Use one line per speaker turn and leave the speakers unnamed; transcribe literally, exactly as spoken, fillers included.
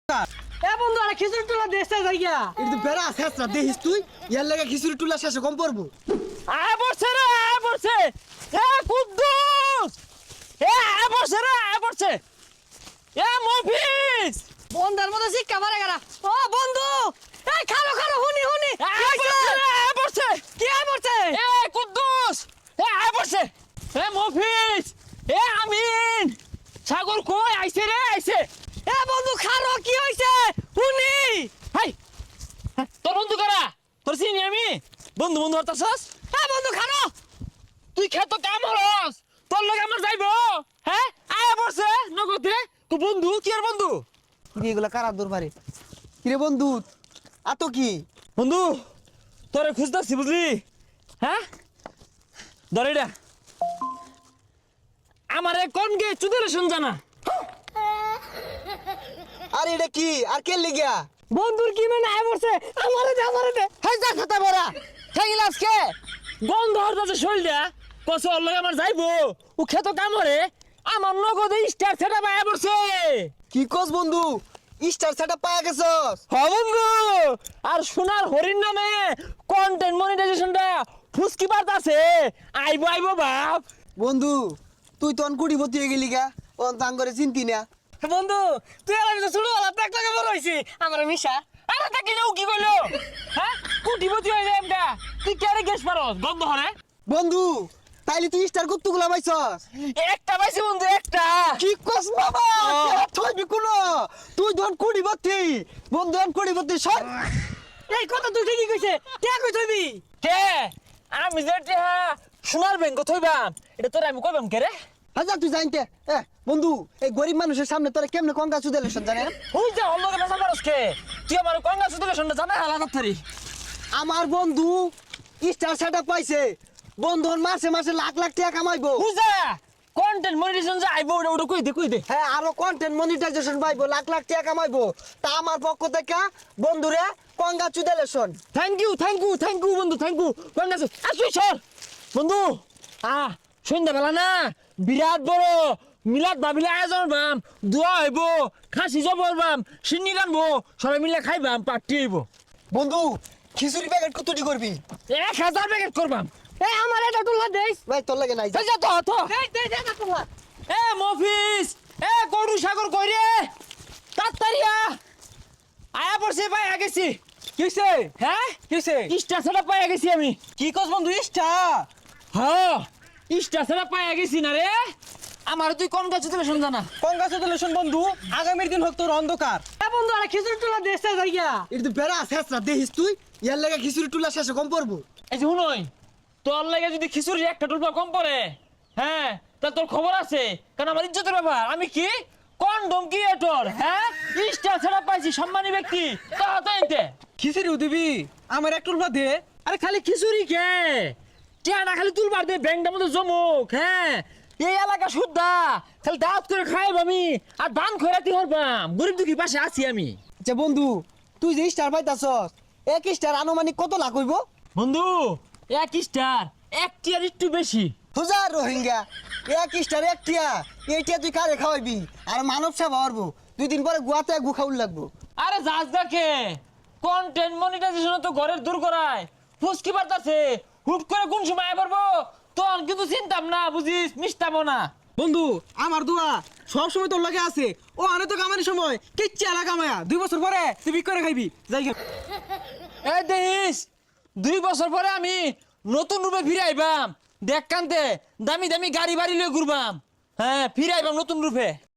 এ বন্ধু আরে খিচুড়ি টুলা দেশে যাইয়া
এটা তো বেড়া শেষরা দেখিস তুই ইয়ার লাগে খিচুড়ি টুলা শেষে কম পড়বো।
আয় পড়ছে রে আয় পড়ছে এ কুদ্দুস এ আয় পড়ছে রে আয় পড়ছে এ মফিজ বন্ধার মধ্যে শিক্ষা মারে গেলা ও বন্ধু এই খালো খালো হুনি হুনি আয় পড়ছে রে আয় পড়ছে কি আয় পড়ছে এ কুদ্দুস এ আয় পড়ছে এ মফিজ এ আমিন সাগর কই আইছে রে আইছে এ বন্ধু খারো কি হইছে হুনি হাই তোর বন্ধু কারা তোর চিনি আমি বন্ধু বন্ধু হতাছস হ্যাঁ বন্ধু খানো তুই খেত কাম হরস তোর লগে আমার যাইবো হ্যাঁ আয়া পড়ছে নগদে তো বন্ধু কি আর বন্ধু
কিরে এগুলা কারা দূর পারে কিরে বন্ধু আ তো কি
বন্ধু তোরে খুঁজতাছি বুঝলি হ্যাঁ দরেডা আমারে কোন গে চুদের জানা
আরে এটা কি আর কে লিগিয়া
বন্ধুর কি মানে আয় পড়ছে আমারে দে আমারে দে
হাই যা খাতা বড়া
ঠাইল আজকে গন্ধ হরতাছে শরীরটা কসে ওর লগে আমার যাইবো ও খেত কামরে আমার নগদে স্টার সেটা পায় পড়ছে
কি কস বন্ধু স্টার সেটআপ পায়া গেছস
হ বন্ধু আর সোনার হরিণ নামে কন্টেন্ট মনিটাইজেশনটা ফুসকি বাড়তাছে আইবো আইবো বাপ
বন্ধু তুই তন কুড়ি ভর্তি হয়ে গেলি গা ও তাং করে চিন্তি না
বন্ধু তুই আর আমি তো ছোট বেলা দেখ লাগে বড় হইছি আমার মিশা আরে তাকে নাও কি কইলো হ্যাঁ কুটিপতি হই যায় আমরা তুই কেরে গেছ পারস গন্ধ হরে
বন্ধু তাইলে তুই স্টার কতগুলা পাইছস
একটা পাইছি বন্ধু একটা
কি কস বাবা
ও।
তুই বিকুনো তুই ধন কুড়ি ভর্তি বন্ধু ধন কুড়ি ভর্তি সর
এই কথা তুই ঠিকই কইছে কে কই থইবি কে আমি যেটা সোনার ব্যাংক থইবাম এটা তোর আমি কইবাম কে রে
হাজার তুই জানতে এ বন্ধু এই গরিব মানুষের সামনে তোরা কেমনে কঙ্কা চুদেলে জানে
হুই যা অন্য কেন জানারস কে তুই আমার কঙ্গা সুদলে শুনতে জানা আলাদা থারি
আমার বন্ধু স্টার সেটআপ পাইছে বন্ধু মাসে মাসে লাখ লাখ টাকা কামাইবো
হুই যা কন্টেন্ট মনিটাইজেশন যা আইবো ওটা ওটা কই দে কই দে
হ্যাঁ আরো কন্টেন্ট মনিটাইজেশন পাইবো লাখ লাখ টাকা কামাইবো তা আমার পক্ষ থেকে বন্ধুরে congratulations
thank you thank you thank you বন্ধু থ্যাংক ইউ কঙ্গা সু আসুই সর বন্ধু আ সন্ধ্যা বেলা না বিরাট বড় মিলাদ ভাবিলে আয়োজন বাম দোয়া হইব খাসি জবর বাম সিন্নি রানবো সবাই মিলে খাইবাম পার্টি হইব
বন্ধু খিচুড়ি প্যাকেট কতটি করবি
এক হাজার প্যাকেট করবাম এ আমার এটা টুলা দেইস
ভাই তোর লাগে নাই যা।
যা তো তো দেই দেই দে না টুলা এ মফিস এ গরু সাগর কই রে তাড়াতাড়িয়া আয়া পড়ছে পাই গেছি
কিসে
হ্যাঁ
কিসে
ইস্টা ছাড়া পাই গেছি আমি
কি কস বন্ধু ইস্টা
হ্যাঁ ইস্টা ছাড়া পাই গেছি না রে আমার তুই কোন গাছ তুলে শুন জানা
কঙ্গা চুদেলেশন বন্ধু আগামীর দিন হোক তোর অন্ধকার
এ বন্ধু আরে খিচুড়ি টুলা দেশে যাইয়া
এটা তো বেড়া শেষরা দেখিস তুই ইয়ার লাগে খিচুড়ি টুলা শেষে কম পড়বো
এই যে শুনই তোর লাগে যদি খিচুড়ি একটা টুলপা কম পড়ে হ্যাঁ তা তোর খবর আছে কারণ আমার ইজ্জতের ব্যাপার আমি কি কন্ডম ক্রিয়েটর হ্যাঁ ইস্টা ছাড়া পাইছি সম্মানী ব্যক্তি তা তো এতে
খিচুড়ি দিবি আমার এক টুলবা দে
আরে খালি খিচুড়ি খে টিয়া না খালি তুলবার দে ব্যাংকটার মধ্যে জমুক হ্যাঁ এই এলাকা শুদ্ধা খালি দাঁত করে খাইব আমি আর ধান খয়রাতি হরবাম গরিব দুঃখী পাশে আছি আমি
আচ্ছা বন্ধু তুই যে স্টার পাইতাছস এক স্টার আনুমানিক কত লাখ হইব
বন্ধু এক স্টার এক টিয়ার একটু বেশি
হাজার রোহিঙ্গা এক স্টার এক টিয়া এইটা তুই কারে খাওয়াইবি আর মানব সেবা হরবো দুই দিন পরে গুয়াতে গু খাউল লাগবো
আরে যাস দেখে কন্টেন্ট মনিটাইজেশন তো ঘরের দূর করায় ফুসকি বার্তাছে হুট করে কোন সময় পারবো তখন কিন্তু চিন্তাম না বুঝিস মিশতামও না
বন্ধু আমার দোয়া সব সময় তোর লাগে আছে ও আনে তো কামানোর সময় কিচ্ছু এলাকা মায়া দুই বছর পরে তুই বিক করে খাইবি যাই গে।
এই দেখিস দুই বছর পরে আমি নতুন রূপে ফিরে আইবাম দেখ কান্তে দামি দামি গাড়ি বাড়ি লয়ে ঘুরবাম হ্যাঁ ফিরে আইবাম নতুন রূপে